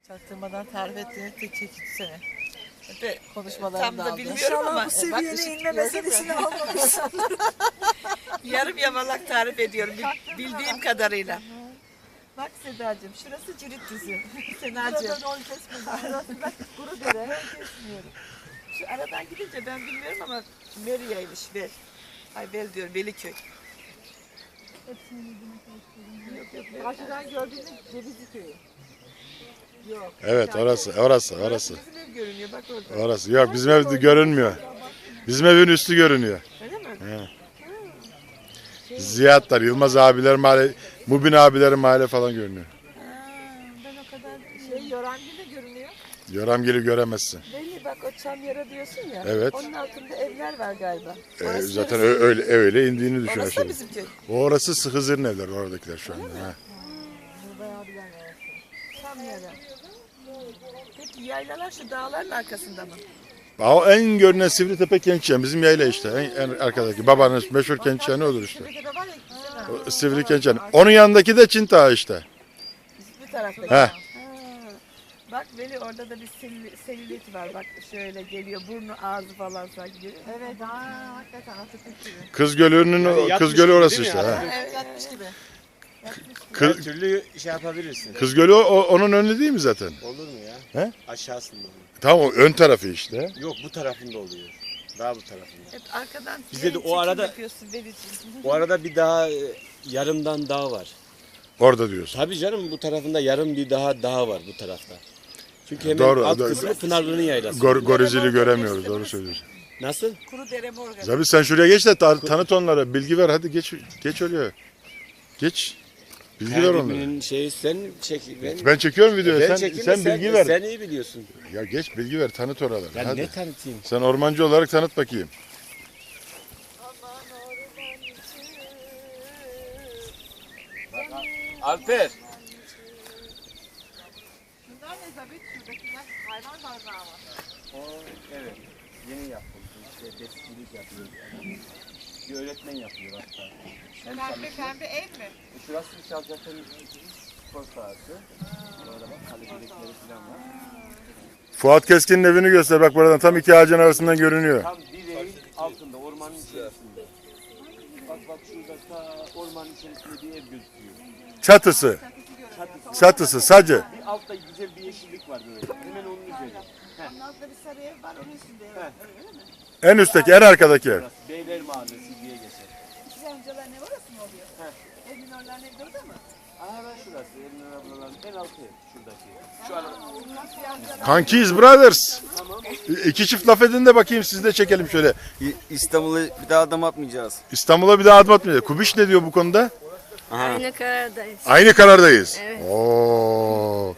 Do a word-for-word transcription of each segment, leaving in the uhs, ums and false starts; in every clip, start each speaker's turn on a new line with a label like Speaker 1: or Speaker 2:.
Speaker 1: Çaktırmadan tarif ettiğiniz tek çekitsene. Ve konuşmalarını
Speaker 2: Tam
Speaker 1: da
Speaker 2: da
Speaker 1: aldım.
Speaker 2: bilmiyorum
Speaker 1: İnşallah
Speaker 2: ama
Speaker 1: bu
Speaker 2: e,
Speaker 1: seviyene
Speaker 2: bak,
Speaker 1: inme
Speaker 2: gördün mü?
Speaker 1: meselesini almamışsın.
Speaker 2: Yarım yamalak tarif ediyorum bil- bildiğim kadarıyla.
Speaker 1: Bak Sedacığım, şurası cirit düzü. Senacığım. Burada rol kesmedi. Şurası bak kuru dere. Rol kesmiyorum.
Speaker 2: Şu aradan gidince ben bilmiyorum ama Meriye'ymiş Vel. Ay Vel diyorum Veliköy. Yok yok Vel.
Speaker 1: Karşıdan gördüğünüz Cevizli Köyü. Yok.
Speaker 3: Evet orası, orası, orası.
Speaker 2: Bizim ev görünüyor bak orada.
Speaker 3: Orası. Yok bizim ev görünmüyor. Bizim evin üstü görünüyor.
Speaker 2: Öyle mi?
Speaker 3: He. Ziyatlar, Yılmaz abiler mahalle, Mubin abilerin mahalle falan görünüyor.
Speaker 2: Ha, ben o kadar
Speaker 1: Şey Yorangil de görünüyor.
Speaker 3: Yoramgil'i göremezsin.
Speaker 2: Belli bak o çam yara diyorsun ya.
Speaker 3: Evet.
Speaker 2: Onun altında evler var galiba.
Speaker 3: Ee,
Speaker 2: Orası
Speaker 3: zaten
Speaker 2: neresi?
Speaker 3: ö- öyle öyle indiğini düşün
Speaker 2: Orası da
Speaker 3: aşağı.
Speaker 2: bizim köy.
Speaker 3: Orası Hızır'ın evler oradakiler şu anda. Ha.
Speaker 1: Bayağı bilen arası.
Speaker 2: Çam yara. Peki yaylalar şu dağların arkasında mı?
Speaker 3: O en görünen Sivritepe Kentçen bizim yayla işte. En, en arkadaki babanın meşhur Kentçeni odur işte.
Speaker 1: Şurada var ya güzel.
Speaker 3: O Sivri Kentçen. Onun yanındaki de Çin Dağı işte.
Speaker 2: Bir tarafta.
Speaker 3: He.
Speaker 2: Ha. Bak Veli orada da bir sel- selülit var. Bak şöyle geliyor. Burnu ağzı falan sanki görüyor musun?
Speaker 1: Evet, aa, hakikaten Atatürk gibi.
Speaker 3: Kız Gölü'nün o- Kız Gölü orası işte. Ha.
Speaker 1: Evet, yatmış gibi.
Speaker 3: Kız,
Speaker 4: Her türlü şey yapabilirsin.
Speaker 3: Kız Gölü o, o- onun önü değil mi zaten?
Speaker 4: Olur mu ya?
Speaker 3: He?
Speaker 4: Aşağısında oluyor.
Speaker 3: Tamam o ön tarafı işte.
Speaker 4: Yok bu tarafında oluyor. Daha bu tarafında.
Speaker 2: Hep arkadan
Speaker 4: Bizde de
Speaker 2: çekim
Speaker 4: o arada-
Speaker 2: yapıyorsun Veli'ciğim.
Speaker 4: O arada bir daha e, yarımdan dağ var.
Speaker 3: Orada diyorsun.
Speaker 4: Tabii canım bu tarafında yarım bir daha dağ var bu tarafta. Çünkü hemen
Speaker 3: Doğru,
Speaker 4: alt
Speaker 3: doğru.
Speaker 4: kısmı Pınarlı'nın yaylası.
Speaker 3: Gor, Gorizili göremiyoruz doğru söylüyorsun.
Speaker 4: Nasıl?
Speaker 2: Kuru dere morgan.
Speaker 3: Zabi sen şuraya geç de ta- tanıt onlara. Bilgi ver hadi geç geç oluyor. Geç. Bilgi ver
Speaker 4: Her
Speaker 3: onlara.
Speaker 4: birinin şeyi sen çek. Ben,
Speaker 3: Ben çekiyorum videoyu.
Speaker 4: ben
Speaker 3: Sen,
Speaker 4: çekeyim
Speaker 3: sen
Speaker 4: de
Speaker 3: bilgi ver.
Speaker 4: Sen iyi biliyorsun.
Speaker 3: Ya geç bilgi ver tanıt oraları.
Speaker 4: Ben
Speaker 3: hadi.
Speaker 4: ne tanıtayım?
Speaker 3: Sen ormancı olarak tanıt bakayım.
Speaker 4: Alper.
Speaker 1: Bunlar ne Zabit? Şuradakiler hayvan barınağı var.
Speaker 4: O evet. Yeni yapıldı. İşte besicilik yapıyor. Bir öğretmen yapıyor hatta. Hem
Speaker 1: Pembe
Speaker 4: çalışıyor.
Speaker 1: pembe ev mi?
Speaker 4: E, Şurası Çalcak'ın spor sahası. Orada bak kalecilikleri falan var.
Speaker 3: Fuat Keskin'in evini göster bak buradan tam iki ağacın arasından görünüyor.
Speaker 4: Tam direğin altında, ormanın içerisinde. Bak bak şurada ta ormanın içerisinde bir ev gözüküyor.
Speaker 3: Çatısı.
Speaker 4: Çatısı.
Speaker 3: Çatısı sacı.
Speaker 4: Bir altta güzel bir yeşillik var böyle. Hemen onun üzerinde.
Speaker 1: Onun altında bir sarı ev var onun üstünde ev.
Speaker 4: Heh.
Speaker 3: En üstteki en arkadaki ev.
Speaker 4: Burası Beyler Mahallesi diye geçer.
Speaker 1: İkiz amcaların ev orası mı oluyor?
Speaker 4: Heh.
Speaker 1: Evin oraların evi de orada mı?
Speaker 4: Aha ben şurası. Emre ablaların en altı ev. Şuradaki. Şu an
Speaker 3: Kankiyiz brothers. İki çift laf edin de bakayım siz de çekelim şöyle.
Speaker 5: İstanbul'a bir daha adım atmayacağız.
Speaker 3: İstanbul'a bir daha adım atmayacağız. Kubiş ne diyor bu konuda?
Speaker 6: Aynı karardayız.
Speaker 3: Aynı karardayız.
Speaker 6: Evet.
Speaker 3: Oo.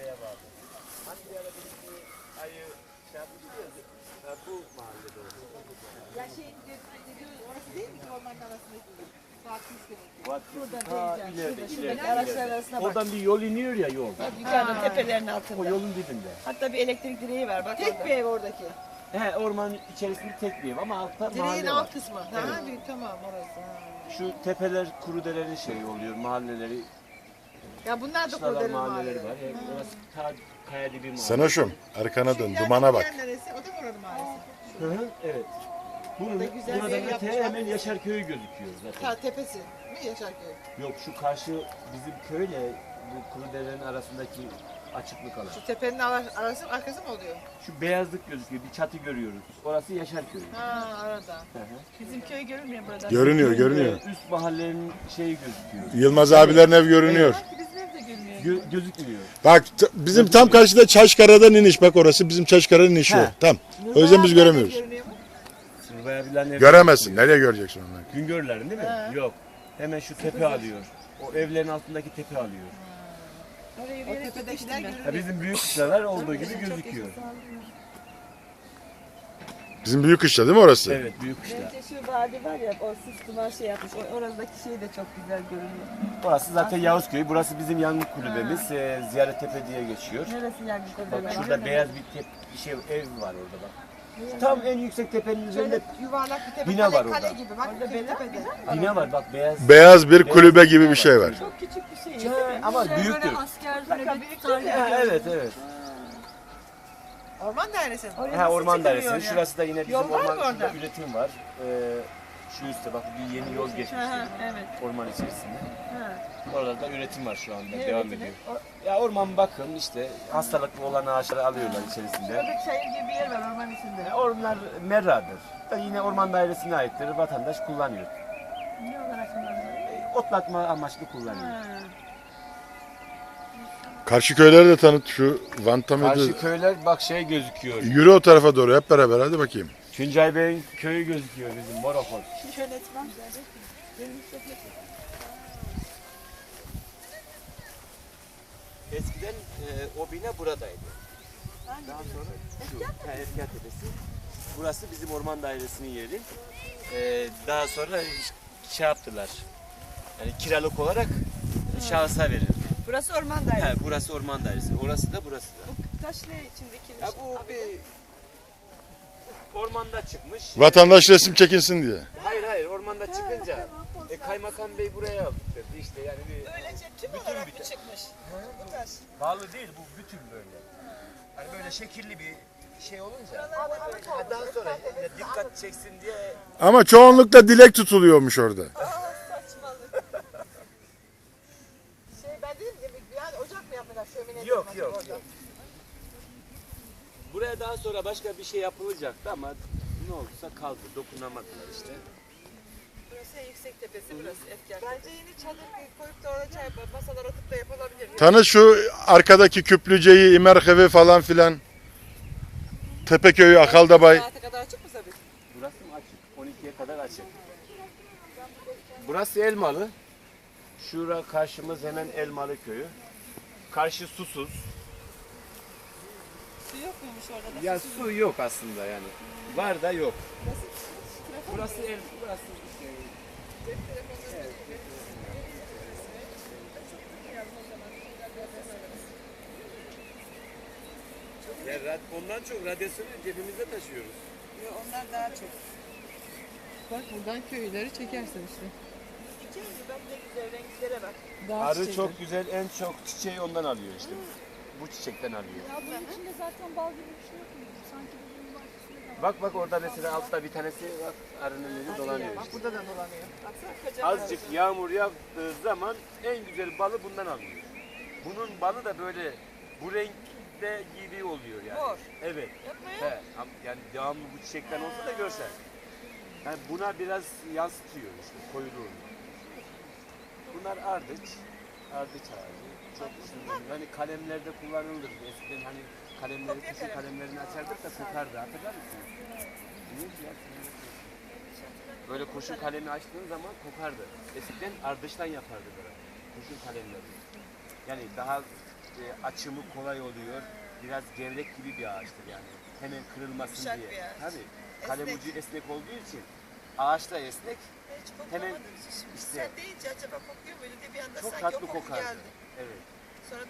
Speaker 1: Ya şey dediğimiz orası değil mi ki ormanın arasındaki? Fatih Üsküdar'ın.
Speaker 4: Ha, ileride, ileride,
Speaker 2: Araçlar
Speaker 4: ileride.
Speaker 2: arasına bak.
Speaker 4: Oradan bir yol iniyor ya yol.
Speaker 2: Yukarıda tepelerin
Speaker 4: O
Speaker 2: altında.
Speaker 4: yolun dibinde.
Speaker 2: Hatta bir elektrik direği var bak
Speaker 1: Tek
Speaker 2: orada.
Speaker 1: bir ev oradaki.
Speaker 4: He ormanın içerisinde tek bir ev ama altta
Speaker 1: Direğin
Speaker 4: mahalle var.
Speaker 1: alt kısmı. Ha, bir, tamam orası. Ha.
Speaker 4: Şu tepeler Kurudere'nin şeyi oluyor, mahalleleri,
Speaker 1: Ya bunlar da
Speaker 4: kışlalar
Speaker 1: Kurderin
Speaker 4: mahalleleri
Speaker 1: mahalleleri.
Speaker 4: var. Yani orası ta kaya dibi mahalle.
Speaker 3: Sanoşum arkana dön
Speaker 1: İleride
Speaker 3: dumana bak.
Speaker 1: diğer neresi? O da Kurderin mahallesi.
Speaker 4: Hı hı, evet. Bunun,
Speaker 1: da güzel bir
Speaker 4: buradan
Speaker 1: ev
Speaker 4: öte
Speaker 1: yapmışlar.
Speaker 4: hemen Yaşar Köyü gözüküyor zaten.
Speaker 1: Ta tepesi mi Yaşarköy?
Speaker 4: Yok şu karşı bizim köyle bu Kurudere'nin arasındaki açıklık alan.
Speaker 1: Şu tepenin ara- arası arkası mı oluyor?
Speaker 4: Şu beyazlık gözüküyor, bir çatı görüyoruz. Orası Yaşar Köyü.
Speaker 1: Ha arada.
Speaker 4: Hı hı.
Speaker 2: Bizim köy görünmüyor burada.
Speaker 3: Görünüyor görünüyor.
Speaker 4: Ee, Üst mahallenin şeyi gözüküyor.
Speaker 3: Yılmaz abilerin ev görünüyor.
Speaker 2: Bizim ev de görünüyor.
Speaker 4: Gö- gözükmüyor.
Speaker 3: Bak t- bizim tam karşıda Çaşkara'dan iniş bak orası bizim Çaşkara'nın inişi o.
Speaker 4: He.
Speaker 3: Tam. O yüzden biz göremiyoruz.
Speaker 1: Görünüyor mu?
Speaker 4: Sırvay abilerin evi
Speaker 3: Göremezsin. Nereye göreceksin onları?
Speaker 4: Güngörlerin değil mi? Yok. Hemen şu tepe alıyor. O evlerin altındaki tepe alıyor.
Speaker 2: Oraya
Speaker 1: O
Speaker 2: yürüyerek
Speaker 1: tepedekiler
Speaker 2: gitmiştim
Speaker 4: Ya
Speaker 1: görünüyor.
Speaker 4: bizim büyük kışlalar olduğu gibi gözüküyor.
Speaker 3: Bizim büyük kışla değil mi orası?
Speaker 4: Evet büyük kışla.
Speaker 2: Bence şu vadi var ya o sis duman şey yapmış. O, oradaki şey de çok güzel görünüyor.
Speaker 4: Burası zaten Yavuzköy. Burası bizim yangın kulübemiz. Ee, Ziyaret Tepe diye geçiyor.
Speaker 2: Neresi yani
Speaker 4: Bak
Speaker 2: burada?
Speaker 4: şurada beyaz bir, tep bir şey ev var orada bak. Tam en yüksek tepenin üzerinde
Speaker 1: Şöyle yuvarlak bir tepe.
Speaker 4: Bina
Speaker 1: kale,
Speaker 4: var
Speaker 1: kale
Speaker 4: orada.
Speaker 1: gibi. Bak
Speaker 2: Orada
Speaker 1: bir
Speaker 2: bina-
Speaker 1: tepede.
Speaker 4: bina var bak beyaz.
Speaker 3: Beyaz bir kulübe gibi bir şey var.
Speaker 2: Çok küçük bir şey.
Speaker 4: He, ama büyüktür.
Speaker 6: Asker
Speaker 1: Bak,
Speaker 6: nöbet
Speaker 1: büyük
Speaker 6: tutar
Speaker 1: değil
Speaker 6: gibi.
Speaker 4: Ha, evet evet.
Speaker 2: Orman dairesi mi?
Speaker 1: Oraya
Speaker 4: Ha,
Speaker 1: nasıl
Speaker 4: orman
Speaker 1: çıkılıyor
Speaker 4: dairesi.
Speaker 1: ya?
Speaker 4: Şurası da yine bizim
Speaker 2: Yol var mı
Speaker 4: orman, şurada
Speaker 2: orada?
Speaker 4: üretim var. Ee, şu üstte bak bir yeni yol geçmiş.
Speaker 2: Ha, ha, evet.
Speaker 4: Orman içerisinde.
Speaker 2: Ha.
Speaker 4: Orada da üretim var şu anda.
Speaker 2: Ne
Speaker 4: Devam
Speaker 2: üretimi?
Speaker 4: ediyor.
Speaker 2: O-
Speaker 4: Ya orman bakım işte hastalıklı olan ağaçları alıyorlar içerisinde.
Speaker 2: Şurada çayır gibi bir yer var orman içinde.
Speaker 4: E, Onlar merradır. Da yine orman dairesine aittir. Vatandaş kullanıyor.
Speaker 2: Ne olarak kullanılıyor?
Speaker 4: E, Otlatma amaçlı kullanıyor.
Speaker 2: Ha.
Speaker 3: Karşı köyleri de tanıt şu Vanta mıydı?
Speaker 4: Karşı köyler bak şey gözüküyor.
Speaker 3: Yürü o tarafa doğru hep beraber hadi bakayım.
Speaker 4: Tuncay Bey'in köyü gözüküyor bizim Morokon.
Speaker 1: Yönetmen.
Speaker 4: Eskiden e, o bina buradaydı. Daha sonra şu ha, Efkar Tepesi. Burası bizim orman dairesinin yeri. E, daha sonra şey yaptılar. Yani kiralık olarak şahısa verildi.
Speaker 1: Burası orman dairesi.
Speaker 4: Ha, burası orman dairesi. Orası da burası da.
Speaker 1: Bu taş ne için dikilmiş?
Speaker 4: Ya bu bir ormanda çıkmış.
Speaker 3: Vatandaş resim çekinsin diye.
Speaker 4: Hayır hayır ormanda çıkınca e, kaymakam bey buraya aldı işte yani bir
Speaker 1: Böylece tüm
Speaker 4: Bütün
Speaker 1: olarak
Speaker 4: bir
Speaker 1: mı
Speaker 4: ta-
Speaker 1: çıkmış? Bu taş.
Speaker 4: bağlı değil bu bütün böyle. Hani böyle şekilli bir şey olunca ha, daha sonra ya dikkat çeksin diye
Speaker 3: Ama çoğunlukla dilek tutuluyormuş orada.
Speaker 1: Aa saçmalık. Şey ben dedim ki yani ocak mı yapmışlar şömine?
Speaker 4: yok yok yok. Buraya daha sonra başka bir şey yapılacaktı ama ne olduysa kaldı dokunamadılar işte.
Speaker 1: Burası en yüksek tepesi burası Efkar. Bence yeni çadır koyup da orada çay masalar atıp da yapılabilir.
Speaker 3: Tanı şu arkadaki Küplüce'yi, İmerhevi falan filan. Tepeköy'ü, Akaldabay.
Speaker 1: Saate kadar açık mı tabii?
Speaker 4: Burası mı açık? on ikiye kadar açık. Burası Elmalı. Şura karşımız hemen Elmalı köyü. Karşı susuz.
Speaker 1: Su yok muymuş orada da?
Speaker 4: Ya su yok aslında yani. Var da yok. Burası el, burası şey. Ya rad- ondan çok radyasyonu cebimizde taşıyoruz.
Speaker 1: Yok, onlar daha çok.
Speaker 2: Bak buradan köyleri çekersin işte.
Speaker 1: Çiçeği mi? Bak ne güzel renklere bak.
Speaker 2: Dağ
Speaker 4: Arı
Speaker 2: çiçeği.
Speaker 4: çok güzel, en çok çiçeği ondan alıyor işte. Bu çiçekten alıyor.
Speaker 7: Ya bunun içinde zaten bal gibi bir şey yok mu? Sanki bunun bahçesinde de var.
Speaker 4: Bak bak orada mesela altta bir tanesi bak arının önü dolanıyor
Speaker 1: Bak
Speaker 4: işte.
Speaker 1: burada da dolanıyor. Baksana kocaman.
Speaker 4: Azıcık yağmur yağdığı zaman en güzel balı bundan alıyor. Bunun balı da böyle bu renkte gibi oluyor yani.
Speaker 1: Mor.
Speaker 4: Evet.
Speaker 1: Yapma ya.
Speaker 4: He, am- yani devamlı bu çiçekten olsa da görsen. Yani buna biraz yansıtıyor işte koyuluğunu. Bunlar ardıç. Ardıç ağacı. Çok uzun. Hani kalemlerde kullanılır. Eskiden hani kalemleri,
Speaker 1: Kopya
Speaker 4: kişi
Speaker 1: kalem.
Speaker 4: kalemlerini açardık da kokardı. Hatırlar mısınız? Neydi ya? Böyle kurşun kalemi açtığın zaman kokardı. Eskiden ardıştan yapardı böyle. Kurşun kalemleri. Yani daha e, açımı kolay oluyor. Biraz gevrek gibi bir ağaçtır yani. Hemen kırılmasın
Speaker 1: Yumuşak
Speaker 4: diye.
Speaker 1: bir ağaç.
Speaker 4: Tabii. Kalem
Speaker 1: Esnek.
Speaker 4: ucu esnek olduğu için ağaç da esnek.
Speaker 1: Hiç
Speaker 4: Hemen
Speaker 1: koklamadım. Şimdi
Speaker 4: işte-
Speaker 1: sen deyince acaba kokuyor muydu diye bir anda
Speaker 4: Çok
Speaker 1: sanki
Speaker 4: tatlı
Speaker 1: o koku
Speaker 4: kokar.
Speaker 1: geldi.
Speaker 4: Evet.
Speaker 1: Sonra